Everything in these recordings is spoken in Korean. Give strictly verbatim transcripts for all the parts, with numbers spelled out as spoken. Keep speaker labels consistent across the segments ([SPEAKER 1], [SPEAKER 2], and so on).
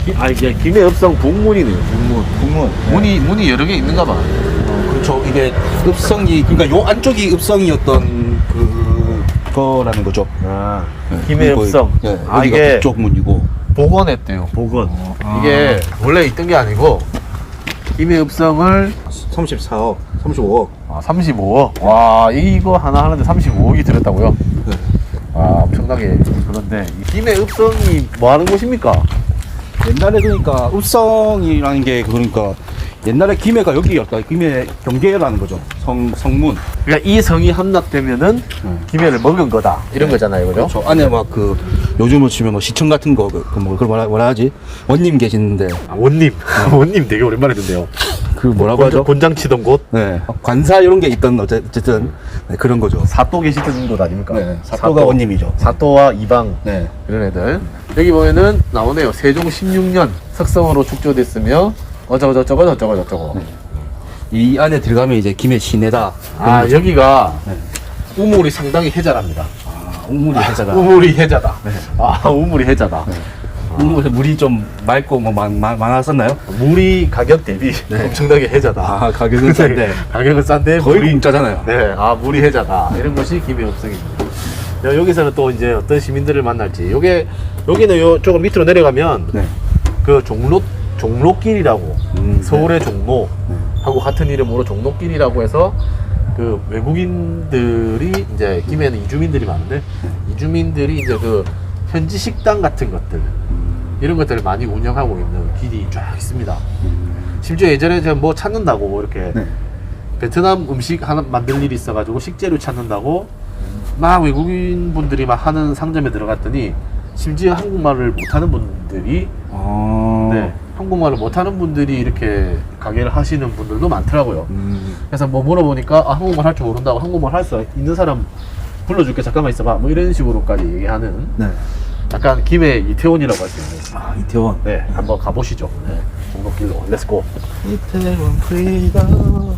[SPEAKER 1] 아 이게 김해읍성 북문이네요. 북문.
[SPEAKER 2] 북문.
[SPEAKER 1] 문이 문이 여러 개 있는가 봐.
[SPEAKER 2] 어, 그렇죠. 이게 읍성이 그러니까 요 안쪽이 읍성이었던 그 거라는 거죠.
[SPEAKER 1] 아
[SPEAKER 2] 네,
[SPEAKER 1] 김해읍성.
[SPEAKER 2] 거의, 네,
[SPEAKER 1] 아
[SPEAKER 2] 여기가
[SPEAKER 1] 이게
[SPEAKER 2] 북쪽 문이고.
[SPEAKER 1] 복원했대요. 복원.
[SPEAKER 2] 아.
[SPEAKER 1] 이게 원래 있던 게 아니고 김해읍성을
[SPEAKER 2] 삼십사억, 삼십오억.
[SPEAKER 1] 아, 삼십오억. 와 이거 하나 하는데 삼십오억이 들었다고요?
[SPEAKER 2] 네.
[SPEAKER 1] 아 엄청나게. 그런데 이 김해읍성이 뭐 하는 곳입니까?
[SPEAKER 2] 옛날에 그러니까 읍성이라는 게 그러니까 옛날에 김해가 여기였다. 김해 경계라는 거죠. 성 성문.
[SPEAKER 1] 그러니까 이 성이 함락되면은
[SPEAKER 2] 네.
[SPEAKER 1] 김해를 먹은 거다 이런 거잖아요, 그죠?
[SPEAKER 2] 그렇죠. 안에 막 그 요즘으로 치면 뭐 시청 같은 거 그 뭐 그걸 뭐라, 뭐라 하지? 원님 계시는데
[SPEAKER 1] 아, 원님. 원님 되게 오랜만에 듣네요.
[SPEAKER 2] 그 뭐라고
[SPEAKER 1] 곤장,
[SPEAKER 2] 하죠?
[SPEAKER 1] 곤장 치던 곳.
[SPEAKER 2] 네. 관사 이런 게 있던 어째- 어쨌든 네, 그런 거죠.
[SPEAKER 1] 사또 계시던 곳 아닙니까?
[SPEAKER 2] 네. 사또가 원님이죠.
[SPEAKER 1] 사또와 이방
[SPEAKER 2] 네.
[SPEAKER 1] 이런 애들. 여기 보면은 나오네요. 세종 십육 년 석성으로 축조됐으며 어쩌고 저쩌고 저쩌고 저쩌고.
[SPEAKER 2] 네. 이 안에 들어가면 이제 김해 시내다.
[SPEAKER 1] 아 여기가
[SPEAKER 2] 네.
[SPEAKER 1] 우물이 상당히 해자랍니다.
[SPEAKER 2] 아, 우물이 해자다.
[SPEAKER 1] 우물이 해자다.
[SPEAKER 2] 네.
[SPEAKER 1] 아 우물이 해자다.
[SPEAKER 2] 우물 물이 좀 맑고 뭐 많, 많, 많았었나요?
[SPEAKER 1] 물이 가격 대비
[SPEAKER 2] 네.
[SPEAKER 1] 엄청나게 해자다.
[SPEAKER 2] 아, 가격은 싼데
[SPEAKER 1] 가격은 싼데
[SPEAKER 2] 거의
[SPEAKER 1] 물이
[SPEAKER 2] 공짜잖아요.
[SPEAKER 1] 네, 아 물이 해자다 이런 것이 김해읍성입니다. 야, 여기서는 또 이제 어떤 시민들을 만날지. 요게 여기는 요 조금 밑으로 내려가면
[SPEAKER 2] 네.
[SPEAKER 1] 그 종로 종로길이라고
[SPEAKER 2] 음,
[SPEAKER 1] 서울의 종로
[SPEAKER 2] 네.
[SPEAKER 1] 하고 같은 이름으로 종로길이라고 해서 그 외국인들이 이제 김해는 이주민들이 많은데 이주민들이 이제 그 현지 식당 같은 것들 이런 것들을 많이 운영하고 있는 길이 쫙 있습니다. 심지어 예전에 제가 뭐 찾는다고 이렇게
[SPEAKER 2] 네.
[SPEAKER 1] 베트남 음식 하나 만들 일이 있어가지고 식재료 찾는다고 막 외국인 분들이 막 하는 상점에 들어갔더니 심지어 한국말을 못하는 분들이
[SPEAKER 2] 아.
[SPEAKER 1] 네, 한국말을 못하는 분들이 이렇게 가게를 하시는 분들도 많더라고요.
[SPEAKER 2] 음.
[SPEAKER 1] 그래서 뭐 물어보니까 아, 한국말 할 줄 모른다고 한국말 할 수 있는 사람 불러줄게 잠깐만 있어봐 뭐 이런 식으로까지 얘기하는
[SPEAKER 2] 네.
[SPEAKER 1] 약간 김해 이태원이라고 할 수 있는
[SPEAKER 2] 아, 이태원.
[SPEAKER 1] 네 한번 가보시죠. 네, 종로길로 렛츠고.
[SPEAKER 2] 이태원 프리다.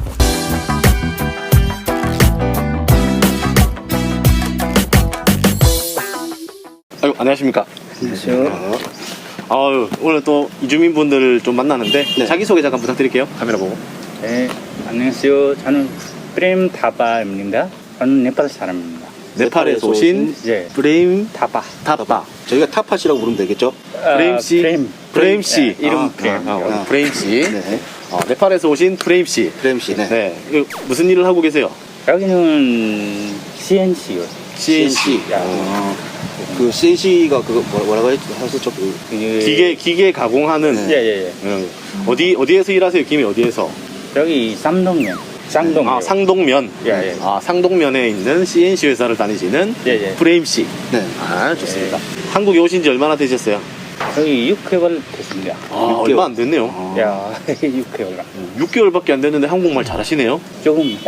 [SPEAKER 1] 아유 안녕하십니까.
[SPEAKER 2] 안녕하세요.
[SPEAKER 1] 아유 오늘 또 이주민 분들을 좀 만나는데
[SPEAKER 2] 네.
[SPEAKER 1] 자기소개 잠깐 부탁드릴게요. 카메라 보고.
[SPEAKER 3] 네, 안녕하세요. 저는 프레임 타바입니다. 저는 네팔 사람입니다.
[SPEAKER 1] 네팔에서 오신
[SPEAKER 3] 예,
[SPEAKER 1] 브레임
[SPEAKER 3] 타바.
[SPEAKER 1] 타빠
[SPEAKER 2] 저희가 타팟이라고 부르면 되겠죠?
[SPEAKER 1] 프레임 씨.
[SPEAKER 3] 프레임.
[SPEAKER 1] 프레임 씨.
[SPEAKER 3] 예, 이름
[SPEAKER 2] 아,
[SPEAKER 3] 프레임.
[SPEAKER 1] 아,
[SPEAKER 2] 아.
[SPEAKER 1] 브레임 씨.
[SPEAKER 2] 네.
[SPEAKER 1] 어, 네팔에서 오신 프레임 씨.
[SPEAKER 2] 프레임 씨. 네.
[SPEAKER 1] 네. 이거 무슨 일을 하고 계세요?
[SPEAKER 3] 여기는 씨엔씨요.
[SPEAKER 1] 씨엔씨.
[SPEAKER 3] 야.
[SPEAKER 2] 아, 그 씨엔씨가 그거 뭐라- 뭐라고 했- 하셨죠? 그
[SPEAKER 1] 기계 기계 가공하는.
[SPEAKER 2] 네.
[SPEAKER 3] 예, 예, 예.
[SPEAKER 1] 음, 어디 어디에서 일하세요? 김해 어디에서?
[SPEAKER 3] 여기 쌍동면. 쌍동.
[SPEAKER 1] 아 상동면.
[SPEAKER 3] 예, 예.
[SPEAKER 1] 아 상동면에 있는 씨엔씨 회사를 다니시는
[SPEAKER 3] 예, 예.
[SPEAKER 1] 프레임 씨.
[SPEAKER 2] 네.
[SPEAKER 1] 아 좋습니다. 한국에 오신 지 얼마나 되셨어요?
[SPEAKER 3] 여기 육 개월 됐습니다.
[SPEAKER 1] 아
[SPEAKER 2] 육 개월.
[SPEAKER 1] 얼마 안 됐네요.
[SPEAKER 2] 아.
[SPEAKER 3] 야, 육 개월.
[SPEAKER 1] 육 개월밖에 안 됐는데 한국말 잘하시네요.
[SPEAKER 3] 조금.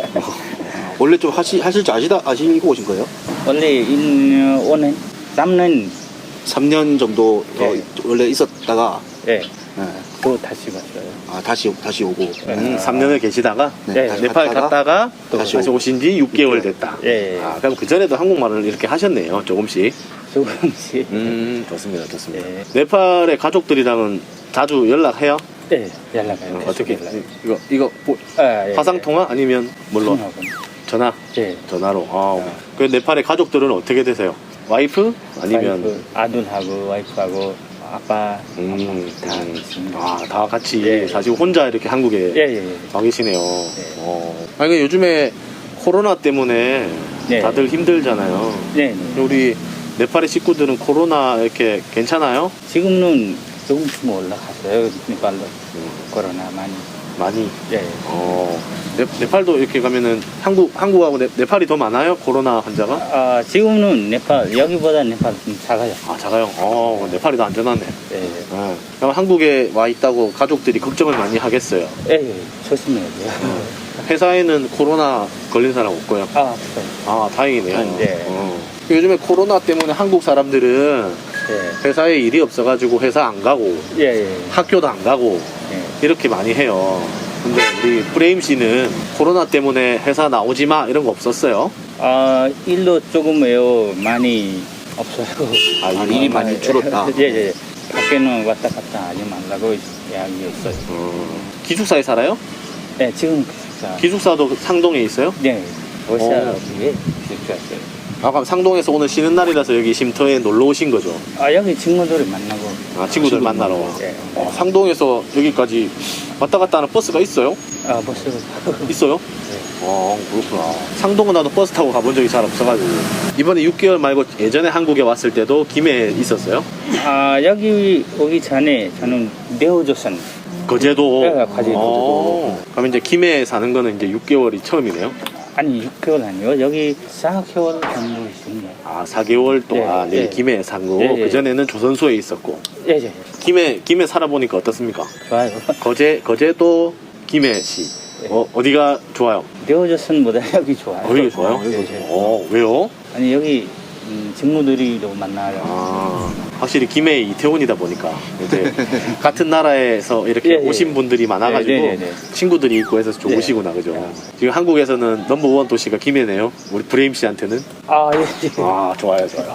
[SPEAKER 2] 원래 좀 하시 하실 줄 아시다 아시고 오신 거예요?
[SPEAKER 3] 원래 인 오는 삼 년.
[SPEAKER 2] 삼 년 정도 더
[SPEAKER 3] 예.
[SPEAKER 2] 원래 있었다가
[SPEAKER 3] 예.
[SPEAKER 2] 네.
[SPEAKER 3] 또 다시 왔어요.
[SPEAKER 2] 아 다시 다시 오고.
[SPEAKER 1] 음, 삼 년을 계시다가
[SPEAKER 2] 네,
[SPEAKER 3] 예.
[SPEAKER 2] 다시
[SPEAKER 1] 네팔
[SPEAKER 2] 갔다가
[SPEAKER 1] 갔다가 또
[SPEAKER 2] 다시
[SPEAKER 1] 다시
[SPEAKER 2] 오고.
[SPEAKER 1] 오신 지 육 개월 됐다.
[SPEAKER 3] 예, 예.
[SPEAKER 1] 아, 그럼 그 전에도 한국말을 이렇게 하셨네요, 조금씩.
[SPEAKER 3] 조금씩.
[SPEAKER 1] 음, 좋습니다, 좋습니다.
[SPEAKER 3] 예.
[SPEAKER 1] 네팔의 가족들이랑은 자주 연락해요?
[SPEAKER 3] 네, 연락해요.
[SPEAKER 1] 어, 어떻게?
[SPEAKER 3] 연락.
[SPEAKER 1] 이거 이거 보-
[SPEAKER 3] 아, 예,
[SPEAKER 1] 화상
[SPEAKER 3] 예.
[SPEAKER 1] 통화 아니면 뭘로?
[SPEAKER 3] 통화하고.
[SPEAKER 1] 전화?
[SPEAKER 3] 예.
[SPEAKER 1] 전화로. 아, 그 네팔의 가족들은 어떻게 되세요? 와이프 아니면?
[SPEAKER 3] 와이프, 아들하고 와이프하고 아빠,
[SPEAKER 1] 음,
[SPEAKER 3] 엄마 다
[SPEAKER 1] 음.
[SPEAKER 3] 있습니다.
[SPEAKER 1] 아, 다 같이
[SPEAKER 3] 예.
[SPEAKER 1] 사실 혼자 이렇게 한국에
[SPEAKER 3] 예, 예, 예.
[SPEAKER 1] 와 계시네요. 어. 아니 그 요즘에 코로나 때문에
[SPEAKER 3] 네.
[SPEAKER 1] 다들 힘들잖아요.
[SPEAKER 3] 네, 네.
[SPEAKER 1] 우리 네팔의 식구들은 코로나 이렇게 괜찮아요?
[SPEAKER 3] 지금은 조금씩 올라갔어요. 네팔로 코로나 많이.
[SPEAKER 1] 많이.
[SPEAKER 3] 예.
[SPEAKER 1] 어. 네, 네팔도 이렇게 가면은 한국 한국하고 네, 네팔이 더 많아요? 코로나 환자가?
[SPEAKER 3] 아, 지금은 네팔 여기보다 네팔 좀 작아요.
[SPEAKER 1] 아 작아요. 어 네팔이 더 안전하네.
[SPEAKER 3] 예, 예.
[SPEAKER 1] 네. 그럼 한국에 와 있다고 가족들이 걱정을 많이 하겠어요.
[SPEAKER 3] 예, 예. 조심해야 돼요.
[SPEAKER 1] 회사에는 코로나 걸린 사람 없고요.
[SPEAKER 3] 아, 없어요.
[SPEAKER 1] 아 다행이네요.
[SPEAKER 3] 아, 네.
[SPEAKER 1] 어. 요즘에 코로나 때문에 한국 사람들은
[SPEAKER 3] 예,
[SPEAKER 1] 회사에 일이 없어가지고 회사 안 가고
[SPEAKER 3] 예, 예.
[SPEAKER 1] 학교도 안 가고
[SPEAKER 3] 예.
[SPEAKER 1] 이렇게 많이 해요. 근데 우리 프레임 씨는 코로나 때문에 회사 나오지 마 이런 거 없었어요?
[SPEAKER 3] 아, 일도 조금요 많이 없어요.
[SPEAKER 1] 아,
[SPEAKER 2] 아, 일이 많이 줄었다.
[SPEAKER 3] 예, 예. 밖에는 왔다 갔다 하지 말라고 이야기했어요.
[SPEAKER 1] 기숙사에 살아요?
[SPEAKER 3] 네, 지금 기숙사.
[SPEAKER 1] 기숙사도 상동에 있어요?
[SPEAKER 3] 네, 월세
[SPEAKER 1] 어.
[SPEAKER 3] 위에 기숙사였어요.
[SPEAKER 1] 아, 그럼 상동에서 오늘 쉬는 날이라서 여기 쉼터에 놀러 오신 거죠?
[SPEAKER 3] 아, 여기 친구들을 만나고.
[SPEAKER 1] 아, 친구들 만나러.
[SPEAKER 3] 네.
[SPEAKER 1] 어, 상동에서 여기까지 왔다 갔다 하는 버스가 있어요?
[SPEAKER 3] 아, 버스를 타고.
[SPEAKER 1] 있어요?
[SPEAKER 3] 네.
[SPEAKER 1] 어, 그렇구나. 상동은 나도 버스 타고 가본 적이 잘 없어가지고. 이번에 육 개월 말고 예전에 한국에 왔을 때도 김해에 있었어요?
[SPEAKER 3] 아, 여기 오기 전에 저는 내오조선.
[SPEAKER 1] 거제도?
[SPEAKER 3] 네, 거제도.
[SPEAKER 1] 어, 그럼 이제 김해에 사는 거는 이제 육 개월이 처음이네요?
[SPEAKER 3] 아니, 육 개월 아니요. 여기 사 개월 정도 있습니다.
[SPEAKER 1] 아, 사 개월 동안
[SPEAKER 3] 네,
[SPEAKER 1] 여기
[SPEAKER 3] 네.
[SPEAKER 1] 김해에 산 거고,
[SPEAKER 3] 네, 네.
[SPEAKER 1] 그전에는 조선소에 있었고.
[SPEAKER 3] 예, 예, 예.
[SPEAKER 1] 김해, 김해 살아보니까 어떻습니까?
[SPEAKER 3] 좋아요.
[SPEAKER 1] 거제, 거제도 김해시.
[SPEAKER 3] 네.
[SPEAKER 1] 어, 어디가 좋아요?
[SPEAKER 3] 내오조선보다 여기 좋아요.
[SPEAKER 1] 어, 여기 좋아요?
[SPEAKER 3] 예, 예.
[SPEAKER 1] 어, 왜요?
[SPEAKER 3] 아니, 여기 음, 친구들이 좀 만나요.
[SPEAKER 1] 아, 확실히 김해 이태원이다 보니까 이제 같은 나라에서 이렇게
[SPEAKER 3] 예, 예.
[SPEAKER 1] 오신 분들이 많아가지고
[SPEAKER 3] 네, 네, 네, 네.
[SPEAKER 1] 친구들이 있고 해서 좀
[SPEAKER 3] 네.
[SPEAKER 1] 오시구나, 그죠? 지금 한국에서는 넘버원 도시가 김해네요. 우리 브레임 씨한테는.
[SPEAKER 3] 아, 예, 예.
[SPEAKER 1] 아, 좋아요, 좋아요.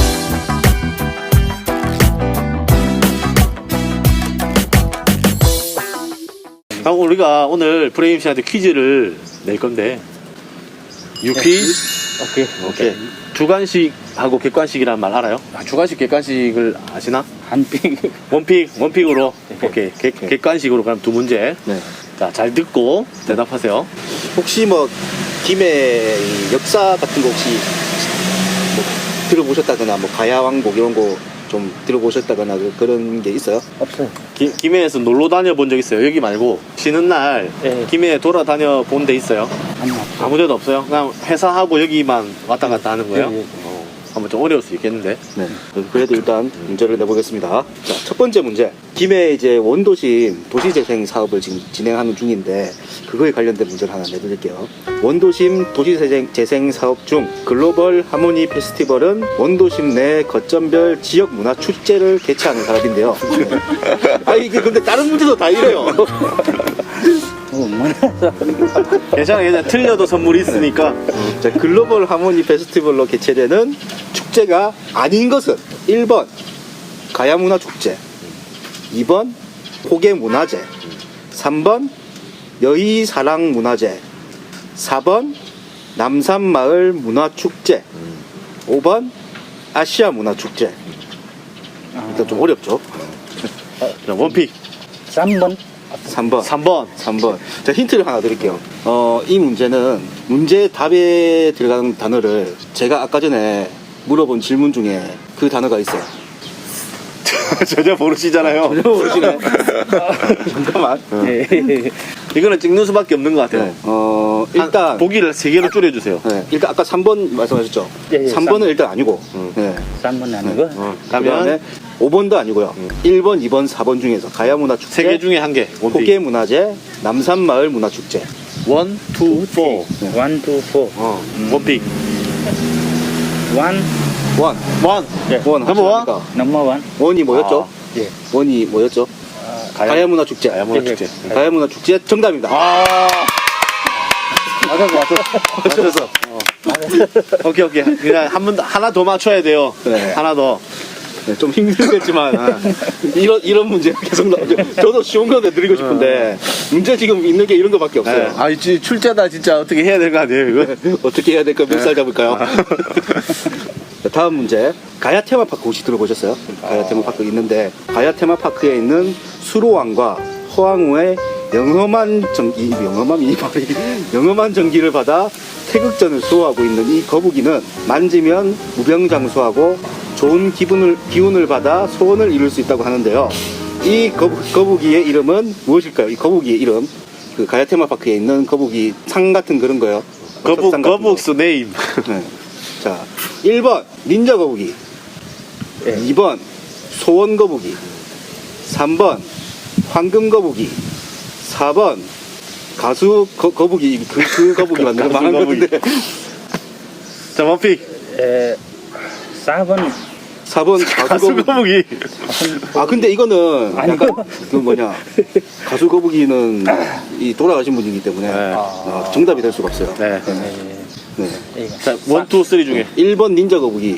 [SPEAKER 1] 아, 우리가 오늘 브레임 씨한테 퀴즈를 낼 건데 유퀴즈?
[SPEAKER 3] 오케이.
[SPEAKER 1] 오케이. 주관식하고 객관식이란 말 알아요? 아, 주관식, 객관식을 아시나?
[SPEAKER 3] 한빙.
[SPEAKER 1] 원픽, 원픽으로.
[SPEAKER 3] 네.
[SPEAKER 1] 오케이. 객, 객관식으로 그럼 두 문제.
[SPEAKER 2] 네.
[SPEAKER 1] 자, 잘 듣고 대답하세요.
[SPEAKER 2] 혹시 뭐 김해 이 역사 같은 거 혹시 뭐 들어보셨다거나 뭐 가야왕복 이런 거 좀 들어보셨다거나 그- 그런 게 있어요?
[SPEAKER 3] 없어요.
[SPEAKER 1] 기, 김해에서 놀러 다녀 본 적 있어요? 여기 말고 쉬는 날
[SPEAKER 3] 네.
[SPEAKER 1] 김해에 돌아다녀 본 데 있어요?
[SPEAKER 3] 아니, 없어요.
[SPEAKER 1] 아무 데도 없어요? 그냥 회사하고 여기만 왔다 갔다 하는 거예요?
[SPEAKER 3] 네, 네.
[SPEAKER 1] 어, 한번 좀 어려울 수 있겠는데.
[SPEAKER 2] 네. 그래도 일단 문제를 내보겠습니다. 자, 첫 번째 문제. 김해 이제 원도심 도시재생 사업을 지금 진행하는 중인데 그거에 관련된 문제를 하나 내드릴게요. 원도심 도시재생 재생 사업 중 글로벌 하모니 페스티벌은 원도심 내 거점별 지역 문화 축제를 개최하는 사업인데요. 아 이게 근데 다른 문제도 다 이래요.
[SPEAKER 3] 어, 몰라서.
[SPEAKER 1] 괜찮아, 괜찮아. 틀려도 선물이 있으니까.
[SPEAKER 2] 자, 글로벌 하모니 페스티벌로 개최되는 축제가 아닌 것은 일 번 가야문화축제, 이 번 포개문화제, 삼 번 여의사랑문화제, 사 번 남산마을 문화축제, 오 번 아시아문화축제. 일단 좀 어렵죠?
[SPEAKER 1] 자, 원픽.
[SPEAKER 3] 삼 번.
[SPEAKER 2] 삼 번.
[SPEAKER 1] 삼 번.
[SPEAKER 2] 삼 번. 자, 힌트를 하나 드릴게요. 어, 이 문제는 문제 답에 들어가는 단어를 제가 아까 전에 물어본 질문 중에 그 단어가 있어요.
[SPEAKER 1] 전혀 모르시잖아요.
[SPEAKER 2] 전혀 모르시네. 잠깐만.
[SPEAKER 3] 예.
[SPEAKER 1] 이거는 찍는 수밖에 없는 것 같아요.
[SPEAKER 2] 네. 어,
[SPEAKER 1] 한-
[SPEAKER 2] 일단.
[SPEAKER 1] 보기를 세 개로 줄여주세요.
[SPEAKER 2] 네, 일단 아까 삼 번 말씀하셨죠?
[SPEAKER 3] 예, 예,
[SPEAKER 2] 삼 번은
[SPEAKER 3] 삼 번.
[SPEAKER 2] 일단 아니고.
[SPEAKER 1] 음.
[SPEAKER 2] 네.
[SPEAKER 3] 삼 번 아니고.
[SPEAKER 1] 어,
[SPEAKER 2] 그 다음에
[SPEAKER 1] 가면
[SPEAKER 2] 오 번도 아니고요.
[SPEAKER 1] 음.
[SPEAKER 2] 일 번, 이 번, 사 번 중에서 가야문화축제,
[SPEAKER 1] 세 개 중에 한 개. 원픽.
[SPEAKER 2] 포개문화제, 남산마을 문화축제.
[SPEAKER 1] 원, 투, 포.
[SPEAKER 2] 네.
[SPEAKER 3] 원, 투, 포.
[SPEAKER 1] 어, 원픽.
[SPEAKER 3] 원,
[SPEAKER 2] 원.
[SPEAKER 1] 원.
[SPEAKER 3] 예.
[SPEAKER 2] 원.
[SPEAKER 1] 넘버 원?
[SPEAKER 2] 확실합니까?
[SPEAKER 3] 넘버 원.
[SPEAKER 2] 원이 뭐였죠?
[SPEAKER 3] 예.
[SPEAKER 2] 원이 뭐였죠?
[SPEAKER 1] 가야,
[SPEAKER 2] 가야문화축제.
[SPEAKER 1] 가야문화축제.
[SPEAKER 3] 예,
[SPEAKER 2] 가야문화축제 정답입니다.
[SPEAKER 1] 아. 맞았어, 맞았어. 맞았어. 어. 오케이, 오케이. 그냥 한 번, 더- 하나 더 맞춰야 돼요.
[SPEAKER 2] 네.
[SPEAKER 1] 하나 더.
[SPEAKER 2] 네, 좀 힘들겠지만 아, 이런 이런 문제 계속 나오죠. 저도 쉬운 거 내드리고 싶은데 문제 지금 있는 게 이런 거밖에
[SPEAKER 1] 네.
[SPEAKER 2] 없어요.
[SPEAKER 1] 아, 이 출제다 진짜 어떻게 해야 될 거 아니에요, 이거?
[SPEAKER 2] 어떻게 해야 될까? 몇 살 잡을까요? 자, 다음 문제. 가야 테마파크 혹시 들어보셨어요? 가야 테마파크 있는데 가야 테마파크에 있는 수로왕과 허황우의 영험한 전기, 영험한 이 말이 영험한 전기를 받아 태극전을 수호하고 있는 이 거북이는 만지면 무병장수하고 좋은 기분을 기운을 받아 소원을 이룰 수 있다고 하는데요. 이 거북, 거북이의 이름은 무엇일까요? 이 거북이의 이름. 그 가야 테마파크에 있는 거북이 상 같은 그런 거요.
[SPEAKER 1] 거북,
[SPEAKER 2] 협상 같은 거.
[SPEAKER 1] 거북스 네임.
[SPEAKER 2] 네. 자, 일 번 닌자 거북이,
[SPEAKER 3] 예.
[SPEAKER 2] 이 번 소원 거북이, 삼 번 황금 거북이, 사 번 가수 거, 거북이. 그, 그 거북이 맞는 거
[SPEAKER 1] 가수
[SPEAKER 2] 말한
[SPEAKER 1] 거북이.
[SPEAKER 2] 건데.
[SPEAKER 1] 자, 원픽.
[SPEAKER 3] 에, 사 번.
[SPEAKER 2] 사 번 가수
[SPEAKER 1] 가수
[SPEAKER 2] 거북이.
[SPEAKER 1] 거북이.
[SPEAKER 2] 아 근데 이거는
[SPEAKER 3] 아니,
[SPEAKER 2] 약간 그 뭐냐 가수 거북이는 이 돌아가신 분이기 때문에
[SPEAKER 1] 네.
[SPEAKER 2] 아, 정답이 될 수가 없어요.
[SPEAKER 1] 네.
[SPEAKER 2] 네.
[SPEAKER 3] 예.
[SPEAKER 2] 네.
[SPEAKER 3] 이거.
[SPEAKER 1] 자, 원, 투, 쓰리 중에.
[SPEAKER 2] 일 번 닌자 거북이,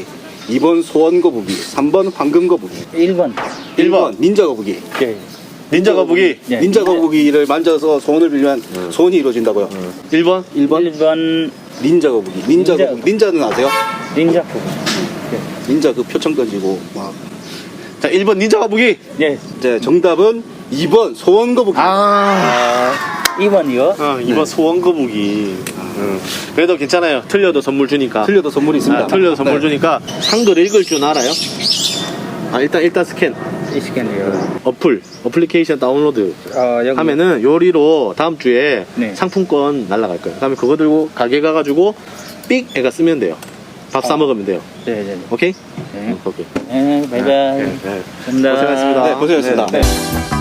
[SPEAKER 2] 이 번 소원 거북이, 삼 번 황금 거북이,
[SPEAKER 3] 일 번.
[SPEAKER 2] 일 번 닌자 거북이.
[SPEAKER 3] 예.
[SPEAKER 1] 닌자 거북이.
[SPEAKER 3] 예.
[SPEAKER 2] 닌자 거북이를 만져서 소원을 빌면 소원이 이루어진다고요.
[SPEAKER 1] 일 번.
[SPEAKER 2] 일 번
[SPEAKER 3] 일 번
[SPEAKER 2] 닌자 거북이. 닌자
[SPEAKER 3] 닌자
[SPEAKER 2] 거북이. 닌자는 아세요?
[SPEAKER 3] 닌자 포.
[SPEAKER 2] 닌자 그 표창 던지고 막.
[SPEAKER 1] 자, 일 번 닌자 거북이.
[SPEAKER 3] 예.
[SPEAKER 2] 이제 정답은 이 번 소원 거북이.
[SPEAKER 1] 아.
[SPEAKER 3] 이 번이요.
[SPEAKER 1] 어, 이 번
[SPEAKER 2] 네.
[SPEAKER 1] 소원 거북이. 응. 그래도 괜찮아요. 틀려도 선물 주니까.
[SPEAKER 2] 틀려도 선물이 있습니다.
[SPEAKER 1] 아, 틀려도 선물
[SPEAKER 2] 네.
[SPEAKER 1] 주니까 한글 읽을 줄 알아요? 아, 일단 일단 스캔.
[SPEAKER 3] 이 시간이요.
[SPEAKER 1] 어플, 어플리케이션 다운로드
[SPEAKER 3] 어, 여기.
[SPEAKER 1] 하면은 요리로 다음 주에
[SPEAKER 3] 네.
[SPEAKER 1] 상품권 날라갈 거예요. 그다음에 그거 들고 가게 가가지고 삑 애가 쓰면 돼요. 밥 사
[SPEAKER 3] 어.
[SPEAKER 1] 먹으면 돼요.
[SPEAKER 3] 네, 네. 네.
[SPEAKER 1] 오케이?
[SPEAKER 3] 네.
[SPEAKER 1] 오케이.
[SPEAKER 3] 네, 바이바이.
[SPEAKER 1] 네, 네.
[SPEAKER 3] 감사합니다.
[SPEAKER 1] 고생하셨습니다.
[SPEAKER 2] 네, 고생하셨습니다.
[SPEAKER 3] 네.